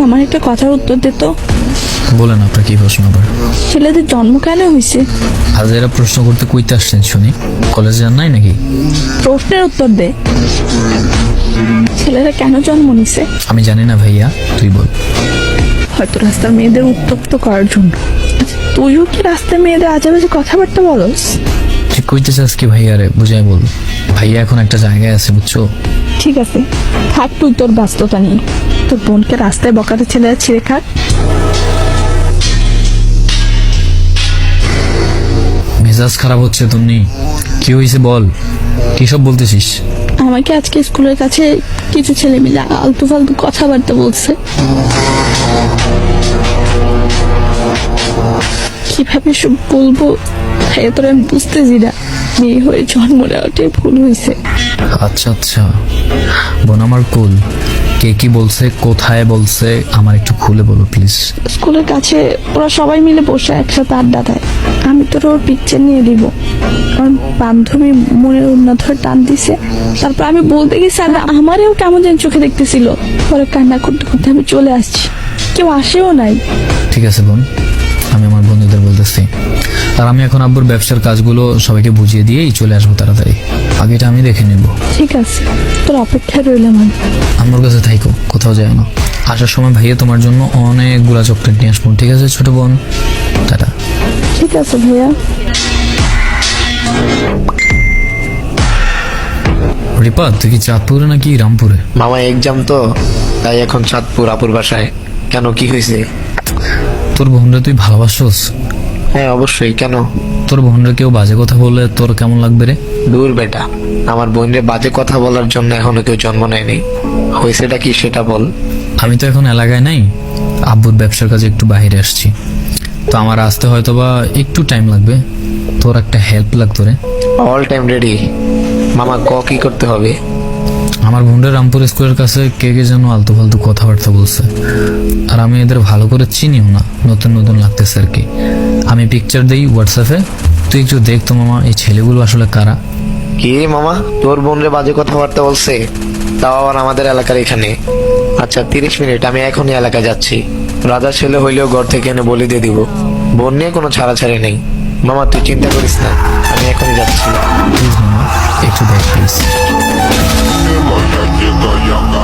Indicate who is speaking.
Speaker 1: আমার একটা কথার উত্তর দে তো।
Speaker 2: বলেন আপনার কি প্রশ্ন আবার?
Speaker 1: ছেলেদের জন্ম কেন হয়েছে?
Speaker 2: আজ এরা প্রশ্ন করতে কইতে আসছেন শুনি? কলেজে যান নাই নাকি?
Speaker 1: প্রশ্নের উত্তর দে। ছেলেরা কেন জন্ম নিছে?
Speaker 2: আমি জানি না ভাইয়া, তুই বল।
Speaker 1: হয়তো রাস্তার মেয়েদের উত্তপ্ত করার জন্য। আচ্ছা, তুইও কি রাস্তার মেয়েদের আজেবাজে কথাবার্তা বলস?
Speaker 2: ঠিক কইতে চাস কি ভাইয়া রে, বুঝাই বল। ভাইয়া এখন একটা জায়গায় আছে বুঝছো।
Speaker 1: ঠিক আছে, থাক তুই তোর ব্যস্ততা নিয়ে। তোর বোনকে রাস্তায় বকাতে ছেলেরা ছিঁড়ে খাক।
Speaker 2: মেজাজ খারাপ হচ্ছে তুমি। কি হয়েছে বল, কি সব বলতেছিস?
Speaker 1: আমাকে আজকে স্কুলের কাছে কিছু ছেলে মিলে আলতু ফালতু কথাবার্তা বলছে। কিভাবে সব বলবো ভাইয়া, তোর আমি বুঝতেছি না। মেয়ে হয়ে জন্ম নেওয়াটাই ভুল হয়েছে।
Speaker 2: আচ্ছা আচ্ছা বোন আমার কুল। কে কি বলছে, কোথায় বলছে, আমার একটু খুলে বলো প্লিজ।
Speaker 1: স্কুলের কাছে ওরা সবাই মিলে বসে একসাথে আড্ডা দেয়। আমি তোর ওর পিকচার নিয়ে দিব। কারণ বান্ধবী মনের উন্নত ধরে টান দিছে। তারপর আমি বলতে গেছি আর আমারও কেমন যেন চোখে দেখতেছিল। পরে কান্না করতে করতে আমি চলে আসছি, কেউ আসেও নাই।
Speaker 2: ঠিক আছে বোন, আমি আমার বন্ধুদের বলতেছি। আর আমি এখন আব্বুর ব্যবসার কাজগুলো সবাইকে বুঝিয়ে দিয়েই চলে আসবো তাড়াতাড়ি। আগেটা আমি দেখে নেব।
Speaker 1: ঠিক আছে, তোর অপেক্ষায় রইলাম আমি।
Speaker 2: আমার কাছে থাইকো, কোথাও যায় না। আসার সময় ভাইয়া তোমার জন্য অনেকগুলা চকলেট নিয়ে আসবো, ঠিক আছে ছোট বোন? টাটা।
Speaker 1: ঠিক আছে ভাইয়া।
Speaker 2: রিপা, তুই কি চাঁদপুরে নাকি রামপুরে?
Speaker 3: মামা এক্সাম তো, তাই এখন চাঁদপুর আপুর বাসায়। কেন, কি হয়েছে?
Speaker 2: তোর বোনরা তুই ভালোবাসোস?
Speaker 3: হ্যাঁ অবশ্যই, কেন?
Speaker 2: তোর বোনরা কেউ বাজে কথা বললে তোর কেমন লাগবে রে?
Speaker 3: দূর বেটা, আমার বোনরে বাজে কথা বলার জন্য এখনো কেউ জন্ম নেয়নি। হয়েছেটা কি সেটা বল।
Speaker 2: আমি তো এখন এলাকায় নাই, আব্বুর ব্যবসার কাজে একটু বাইরে আসছি। তো আমার আসতে হয়তো বা একটু টাইম লাগবে। তোর একটা হেল্প লাগতো রে।
Speaker 3: All time ready. মামা কি করতে হবে?
Speaker 2: আমার বোনরা রামপুর স্কুলের কাছে কে কে যেন আলতু ফালতু কথাবার্তা বলছে, আর আমি এদের ভালো করে চিনিও না, নতুন নতুন লাগতেছে আর কি। আমি পিকচার দেই হোয়াটসঅ্যাপে, তুই একটু দেখ তো মামা এই ছেলেগুলো আসলে কারা।
Speaker 3: কি মামা, তোর বোনরে বাজে কথাবার্তা বলছে? তাও আবার আমাদের এলাকার এখানে? আচ্ছা 30 মিনিট, আমি এখনই এলাকায় যাচ্ছি। রাজার ছেলে হইলেও ঘর থেকে এনে বলি দিয়ে দিব। বোন নিয়ে কোনো ছাড়াছাড়ি নেই। মামা তুই চিন্তা করিস না, আমি এখনই যাচ্ছি।
Speaker 2: প্লিজ মামা, একটু দেখ please.
Speaker 4: Like I get the young